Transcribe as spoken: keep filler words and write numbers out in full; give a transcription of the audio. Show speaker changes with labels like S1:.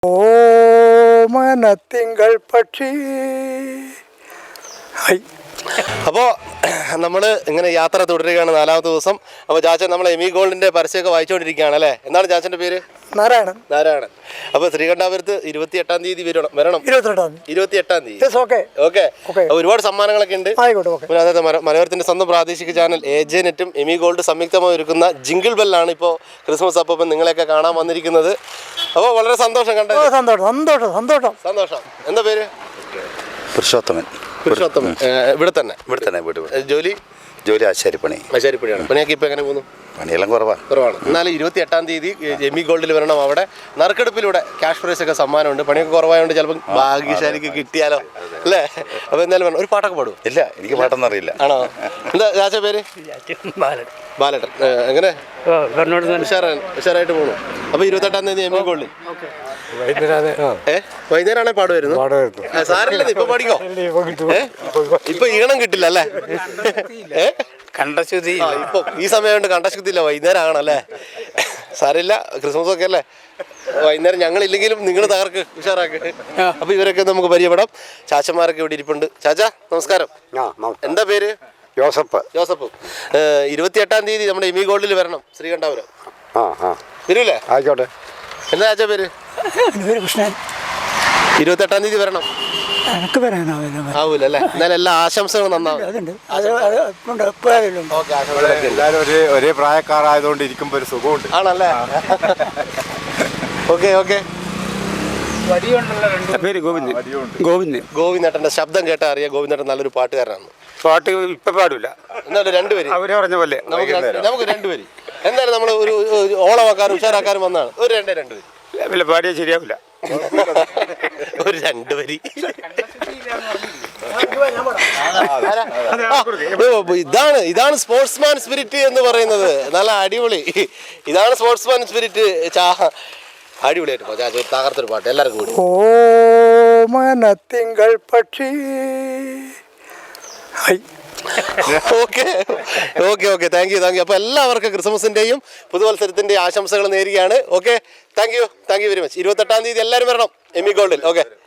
S1: ഓമനത്തിങ്കൾ പക്ഷി.
S2: അപ്പോൾ നമ്മൾ ഇങ്ങനെ യാത്ര തുടരുകയാണ് നാലാമത്തെ ദിവസം. അപ്പോൾ ചാച്ചൻ നമ്മൾ എമി ഗോൾഡിൻ്റെ പരസ്യമൊക്കെ വായിച്ചുകൊണ്ടിരിക്കുകയാണ് അല്ലേ? എന്താണ് ചാച്ചൻ്റെ പേര്?
S1: നാരായണൻ.
S2: നാരായണൻ. അപ്പോൾ ശ്രീകണ്ഠാപുരത്ത് ഇരുപത്തി എട്ടാം തീയതി വരണം വരണം
S1: ഇരുപത്തെട്ടാം
S2: ഇരുപത്തി എട്ടാം തീയതി
S1: ഓക്കെ
S2: ഓക്കെ. അപ്പോൾ ഒരുപാട് സമ്മാനങ്ങളൊക്കെ ഉണ്ട്. പിന്നെ അതായത് മലയോരത്തിൻ്റെ സ്വന്തം പ്രാദേശിക ചാനൽ എ ജെ നെറ്റും എമി ഗോൾഡ് സംയുക്തമായി ഒരുക്കുന്ന ജിങ്കിൾ ബെല്ലാണ് ഇപ്പോൾ ക്രിസ്മസ് അപ്പം നിങ്ങളെയൊക്കെ കാണാൻ വന്നിരിക്കുന്നത്. അപ്പോൾ വളരെ സന്തോഷം കണ്ടത്.
S1: സന്തോഷം സന്തോഷം സന്തോഷം
S2: സന്തോഷം. എന്താ പേര്?
S3: പുരുഷോത്തമൻ.
S2: പുരുഷോത്തമൻ. ഇവിടെ തന്നെ
S3: ഇവിടെ തന്നെ വീട്.
S2: ജോലി
S3: ജോലി ആശാരിപ്പണി.
S2: ആശാരിപ്പണിയാണ്. പണിയൊക്കെ ഇപ്പോൾ എങ്ങനെ പോകുന്നു?
S3: പണിയെല്ലാം കുറവാണ്
S2: കുറവാണ്. എന്നാലും ഇരുപത്തി എട്ടാം തീയതി എമി ഗോൾഡിൽ വരണം. അവിടെ നറുക്കെടുപ്പിലൂടെ ക്യാഷ് പ്രൈസ് ഒക്കെ സമ്മാനമുണ്ട്. പണിയൊക്കെ കുറവായതുകൊണ്ട് ചിലപ്പോൾ ഭാഗ്യശാലിക്ക് കിട്ടിയാലോ അല്ലേ? അപ്പോൾ എന്തായാലും വേണം. ഒരു പാട്ടൊക്കെ പാടുമോ?
S3: ഇല്ല, എനിക്ക് പാട്ടൊന്നും അറിയില്ല.
S2: ആണോ? എന്താ ചാച്ച പേര്? ബാലട്ടൻ. എങ്ങനെ ഉഷാറായിട്ട് പോകണു. അപ്പോൾ ഇരുപത്തെട്ടാം തീയതി എമി ഗോൾഡിൽ ഏ വൈകുന്നേരമാണെ പാടുമായിരുന്നു. സാറില്ല, ഇപ്പൊ പാടിക്കോ. ഇപ്പൊ ഈണം കിട്ടില്ല അല്ലേ? ഏ
S4: കണ്ടശുദ്ധി
S2: ഇപ്പൊ ഈ സമയം കൊണ്ട് കണ്ടശുദ്ധി ഇല്ല. വൈകുന്നേരം ആണല്ലേ? സാരില്ല, ക്രിസ്മസ് ഒക്കെ അല്ലേ? വൈകുന്നേരം ഞങ്ങളില്ലെങ്കിലും നിങ്ങൾ തകർക്ക് ഉഷാറാക്ക്. അപ്പൊ ഇവരൊക്കെ നമുക്ക് പരിചയപ്പെടാം. ചാച്ചന്മാരൊക്കെ ഇവിടെ ഇരിപ്പുണ്ട്. ചാച്ച നമസ്കാരം. എന്താ പേര്?
S3: ജോസഫ്.
S2: ജോസഫ്. ഇരുപത്തി എട്ടാം തീയതി നമ്മുടെ എമി ഗോൾഡിൽ വരണം. ശ്രീകണ്ഠാപുരം വരൂല്ലേ?
S3: ആയിക്കോട്ടെ.
S2: എന്താ ചാച്ച പേര്?
S1: കൃഷ്ണൻ.
S2: ഇരുപത്തെട്ടാം തീയതി വരണം.
S1: എനിക്ക് വരാനാവില്ല.
S2: ആവൂല അല്ലേ? എന്നാലും എല്ലാ ആശംസകളും നന്നാവും.
S3: എല്ലാവരും ഒരേ ഒരേ പ്രായക്കാരായതുകൊണ്ട് ഇരിക്കുമ്പോൾ ഒരു സുഖമുണ്ട്.
S2: ആണല്ലേ? Okay okay.
S4: പേര് ഗോവിന്ദ്. ഗോവിന്ദ്
S2: ഗോവിന്ദേട്ടൻ്റെ ശബ്ദം കേട്ടാൽ അറിയാം. ഗോവിന്ദേട്ടൻ നല്ലൊരു പാട്ടുകാരനാണ്.
S4: പാട്ട് ഇപ്പൊ പാടില്ല.
S2: എന്നാലും രണ്ടുപേര്
S4: അവര് പറഞ്ഞ പോലെ
S2: നമുക്ക് നമുക്ക് രണ്ടുപേര് എന്തായാലും നമ്മൾ ഒരു ഓളമാക്കാരും ഉഷാറാക്കാരും വന്നാണ്. ഒരു രണ്ടേ രണ്ടുപേര്
S4: വല്ല പാടിയാൽ ശരിയാവില്ല.
S2: ഒരു രണ്ടു വരി. ഇതാണ് ഇതാണ് സ്പോർട്സ്മാൻ സ്പിരിറ്റ് എന്ന് പറയുന്നത്. നല്ല അടിപൊളി. ഇതാണ് സ്പോർട്സ്മാൻ സ്പിരിറ്റ്. ചാ അടിപൊളിയായിട്ട് പോ ചാച്ച. തകർത്തൊരു പാട്ട് എല്ലാവർക്കും കൂടി.
S1: ഓമനത്തിങ്കൾ പക്ഷി.
S2: Okay okay okay. Thank you thank you. അപ്പോൾ എല്ലാവർക്കും ക്രിസ്മസിൻ്റെയും പുതുവത്സരത്തിൻ്റെയും ആശംസകൾ നേരുകയാണ്. Okay, thank you thank you very much. ഇരുപത്തെട്ടാം തീയതി എല്ലാവരും വരണം എമി ഗോൾഡിൽ. ഓക്കെ.